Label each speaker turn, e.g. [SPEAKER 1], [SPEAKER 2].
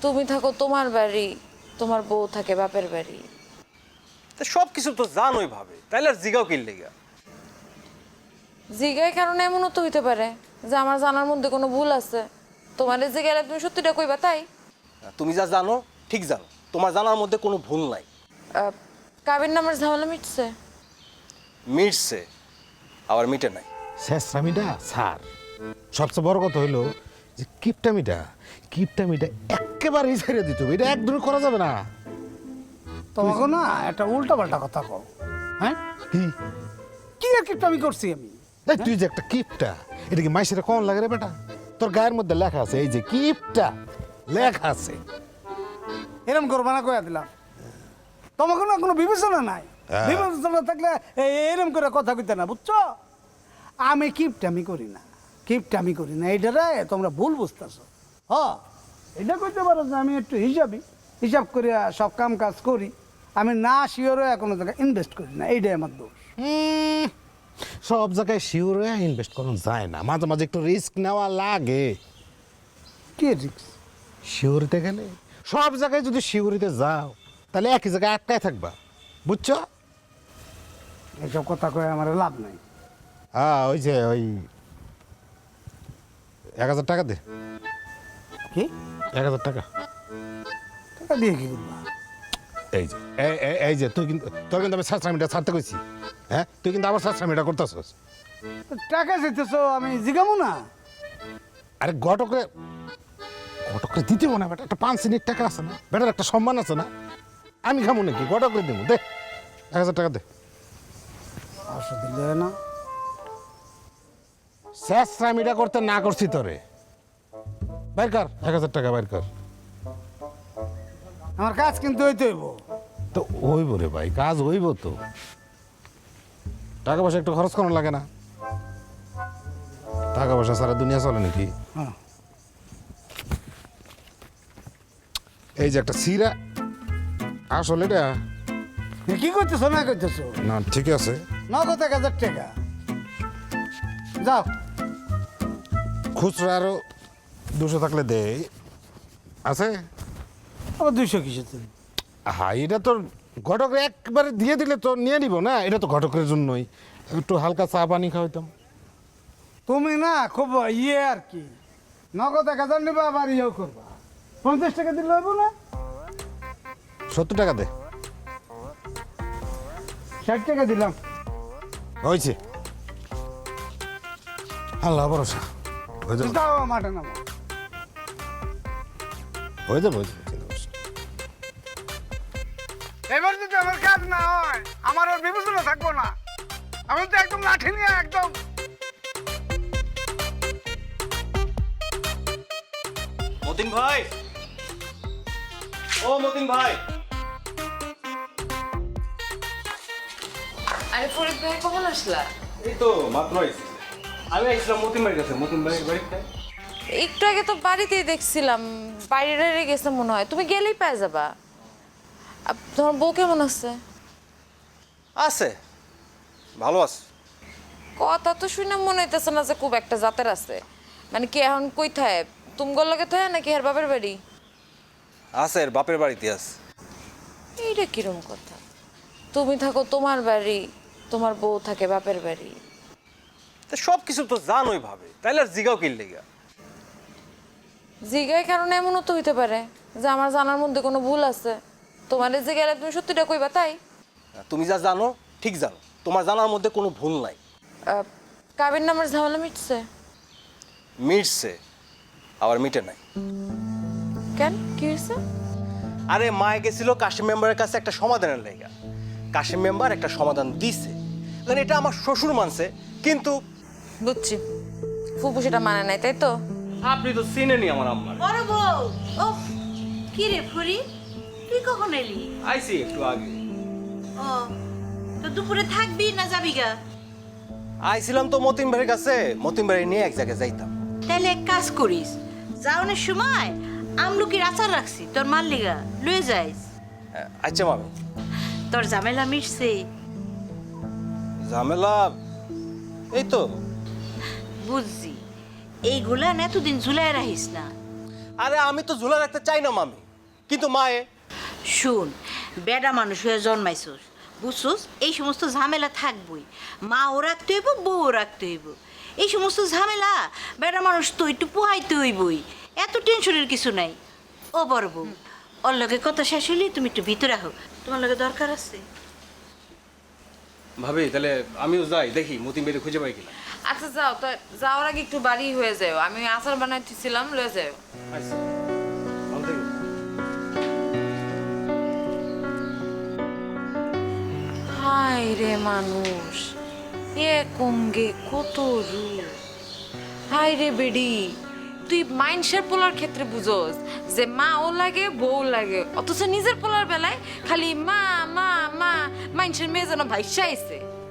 [SPEAKER 1] তুমি থাকো তোমার বাড়ি, তোমার বউ থাকে বাপের বাড়ি।
[SPEAKER 2] তা সব কিছু তো জানোই ভাবে, তাইলে আর জিগাও কিনলে গা।
[SPEAKER 1] জিগায় কারণে এমনও তো হইতে পারে যে আমার জানার মধ্যে কোনো ভুল আছে। তোমার যে গেলে তুমি সত্যিটা কইবা তাই?
[SPEAKER 2] তুমি যা জানো ঠিক জানো, তোমার জানার মধ্যে কোনো ভুল নাই।
[SPEAKER 1] কাবির নামের ঝামেলা মিটছে?
[SPEAKER 2] মিটছে, আবার মিটে নাই।
[SPEAKER 3] শেষরামিটা স্যার, সবচেয়ে বড় কথা হইলো যে কিপটামিটা একেবারেই ছেড়ে দিতে হবে। এটা একদমই করা যাবে না।
[SPEAKER 4] তোমাকে না একটা উল্টা পাল্টা কথা কও। হ্যাঁ,
[SPEAKER 3] কি
[SPEAKER 4] কি আর কিপটা আমি করছি আমি?
[SPEAKER 3] এই তুই যে একটা কিপটা, এটা কি মাইসের কোন লাগে রে বেটা? তোর গায়ের মধ্যে লেখা আছে, এই যে কিপটা লেখা আছে।
[SPEAKER 4] এরম করবা না কয়া দিলাম। তোমাকে না কোনো বিবেচনা নাই।
[SPEAKER 3] হ্যাঁ।
[SPEAKER 4] বিবেচনা থাকলে এরম করে কথা কইতে না, বুঝছো? আমি কিপটামি করি না, কিপটামি করি না, এইটারে তোমরা ভুল বুঝতেছো। এটা কইতে পারো যে আমি একটু হিসাব করে সব কাম কাজ করি। আমি না শিওরে কোনো জায়গায় ইনভেস্ট করি না, এইটাই আমার দোষ।
[SPEAKER 3] সব জায়গায় শিওরে ইনভেস্ট করা যায় না, মাঝে মাঝে একটু রিস্ক নেওয়া লাগে।
[SPEAKER 4] কি রিক্স?
[SPEAKER 3] শিউরিতে গেলে সব জায়গায় যদি শিউরিতে যাও তাহলে একই জায়গায় আটকায় থাকবা, বুঝছো?
[SPEAKER 4] এইসব কথা কয়ে আমার লাভ নাই।
[SPEAKER 3] হ্যাঁ, ওই যে ওই 1000 টাকা দে।
[SPEAKER 4] কি
[SPEAKER 3] 1000 টাকা
[SPEAKER 4] টাকা দিয়ে কি করবা?
[SPEAKER 3] এই যে এই যে তুই কিন্তু, তোর কিন্তু আমি সাশ্রামিটা ছাড়তে কইছি। হ্যাঁ, তুই কিন্তু আবার সাশ্রামিটা করতেছস।
[SPEAKER 4] টাকা চাইতেছো, আমি জিগামু না?
[SPEAKER 3] আরে ঘটকরে দিতে না বেটা, একটা 5 সিনির টাকা আছে না বেটার, একটা সম্মান আছে না। আমি খামো নাকি? ঘটকরে দেবো, দে 1000 টাকা দে।
[SPEAKER 4] অবশ্য দিলে না।
[SPEAKER 3] সাশ্রামিটা করতে না করছি তোরে, বাইর কর 1000 টাকা, বাইর কর।
[SPEAKER 4] আমার কাজ কিন্তু হইতে হইব।
[SPEAKER 3] তো হইব রে ভাই, কাজ হইব তো। টাকা পয়সা একটু খরচ করানো লাগে না? টাকা পয়সা সারা দুনিয়া চলে নাকি?
[SPEAKER 4] হ্যাঁ।
[SPEAKER 3] এই যে একটা সিরা, আসলে এটা
[SPEAKER 4] কি করতেছো না করতেছো?
[SPEAKER 3] না ঠিক আছে,
[SPEAKER 4] নগদ 1000 টাকা। যাও।
[SPEAKER 3] খুচরা আরো 200 থাকলে দে। আছে?
[SPEAKER 4] আবার 200 কিসের জন্য?
[SPEAKER 3] হ্যাঁ, এটা তোর ঘটকের একবারে দিয়ে দিলে তো নিয়ে নিব না, এটা তো ঘটকের জন্যই। একটু হালকা চা পানি খাওয়াইতাম।
[SPEAKER 4] তুমি না খুব আর কি, নগদ 1000 নিবা আবার ইয়েও করবা। 50 টাকা দিলে হইব না?
[SPEAKER 3] 70 টাকা দে।
[SPEAKER 4] 60 টাকা দিলাম।
[SPEAKER 3] হয়েছে, আল্লাহ ভরসা হয়ে যাবে,
[SPEAKER 4] যাও মাঠে নামো।
[SPEAKER 3] হয়ে যাবে, হয়ে যাবে, চিন্তা করিস না।
[SPEAKER 4] এবার যদি আমার কাজ না হয় আমার ওর বিবেচনা থাকবো না। আমি তো একদম লাঠি নিয়ে একদম।
[SPEAKER 2] মতিন ভাই, ও মতিন ভাই।
[SPEAKER 1] আরে ফরিদ ভাই কখন আসলা?
[SPEAKER 2] এই তো মাত্র আইছি। আমি আইছিলাম মতিন ভাইয়ের কাছে। মতিন ভাইয়ের বাড়িতে
[SPEAKER 1] একটু আগে তো বাড়িতেই দেখছিলাম, বাইরে গেছে মনে হয়। তুমি গেলেই পেয়ে যাবা। তোমার বউ কেমন আছে?
[SPEAKER 2] আছে, ভালো আছে।
[SPEAKER 1] কথা তো শুনে মনে হইতেছে না যে খুব একটা জাতের আছে। মানে কি এখন কই থায়? তুমগর লগে থায় নাকি এর বাপের বাড়ি?
[SPEAKER 2] আছে, এর বাপের বাড়িতে আছে।
[SPEAKER 1] এইটা কিরম কথা? তুমি থাকো তোমার বাড়ি, তোমার বউ থাকে বাপের বাড়ি।
[SPEAKER 2] তা সব কিছু তো জানোই ভাবে, তাইলে আর জিগাও কিনলে গা।
[SPEAKER 1] জিগায় কারণে এমনও তো হইতে পারে যে আমার জানার মধ্যে কোনো ভুল আছে। তোমার যে গেলে তুমি সত্যিটা কইবা তাই?
[SPEAKER 2] তুমি যা জানো ঠিক জানো, তোমার জানার মধ্যে কোনো ভুল নাই।
[SPEAKER 1] কাবির নামের ঝামেলা মিটছে?
[SPEAKER 2] মিটছে, আবার মিটে নাই।
[SPEAKER 1] কেন, কি হয়েছে?
[SPEAKER 2] আরে মায়ে গেছিল কাশিম মেম্বারের কাছে একটা সমাধানের লেগা। কাশিম মেম্বার একটা সমাধান দিছে, কারণ এটা আমার শ্বশুর মানছে, কিন্তু
[SPEAKER 1] বুঝছি, ফুপু সেটা মানে নাই, তাই তো?
[SPEAKER 2] আপনি তো চিনেনি আমার আম্মার।
[SPEAKER 5] বড় বউ, ও কি রে ফুরি, তুই কখন এলি?
[SPEAKER 2] আইছি একটু আগে।
[SPEAKER 5] ও তো দুপুরে থাকবি না যাবি গা?
[SPEAKER 2] আইছিলাম তো মতিন ভাইয়ের কাছে, মতিন ভাই নিয়ে এক জায়গায় যাইতাম।
[SPEAKER 5] তাহলে এক কাজ করিস, যাওনের সময় আমলকির আচার রাখছি তোর মাল্লিগা, লয়ে যাইস।
[SPEAKER 2] আচ্ছা মামি।
[SPEAKER 5] তোর ঝামেলা মিটছে?
[SPEAKER 2] ঝামেলা এই তো।
[SPEAKER 5] বুঝছি, এইগুলা না এতদিন ঝুলাই রাখিস না।
[SPEAKER 2] আরে আমি তো ঝুলা রাখতে চাই না মামি, কিন্তু মায়ে
[SPEAKER 5] শুন, বেডা মানুষ হয়ে জন্মাইছস, বুঝছস, এই সমস্ত ঝামেলা থাকবই। মাও রাখতে হইব, বউও রাখতে হইব। এই সমস্ত ঝামেলা বেডা মানুষ তো একটু পোহাইতে হইবই, এত টেনশনের কিছু নাই। ও বড় বউ, ওর লগে কথা শেষ হইলে তুমি একটু ভিতরে আহো, তোমার লগে দরকার আছে।
[SPEAKER 2] ভাবি তাহলে আমিও যাই, দেখি মতিন বেড়ে খুঁজে পাই কিনা।
[SPEAKER 1] আচ্ছা যাও, তো যাওয়ার আগে একটু বাড়ি হয়ে যাও, আমি আচার বানাইতেছিলাম, লয়ে যাও।
[SPEAKER 2] আচ্ছা, ভালো থেকো।
[SPEAKER 1] হায় রে মানুষ, এ কঙ্গে কত রূপ। হায় রে বেডি, তুই মাইনসের পোলার ক্ষেত্রে বুঝোস যে মা ও লাগে বউ লাগে, অথচ নিজের পোলার বেলায় খালি মা মা মা, মাইনসের মেয়ে যেন ভাইসা আইছে।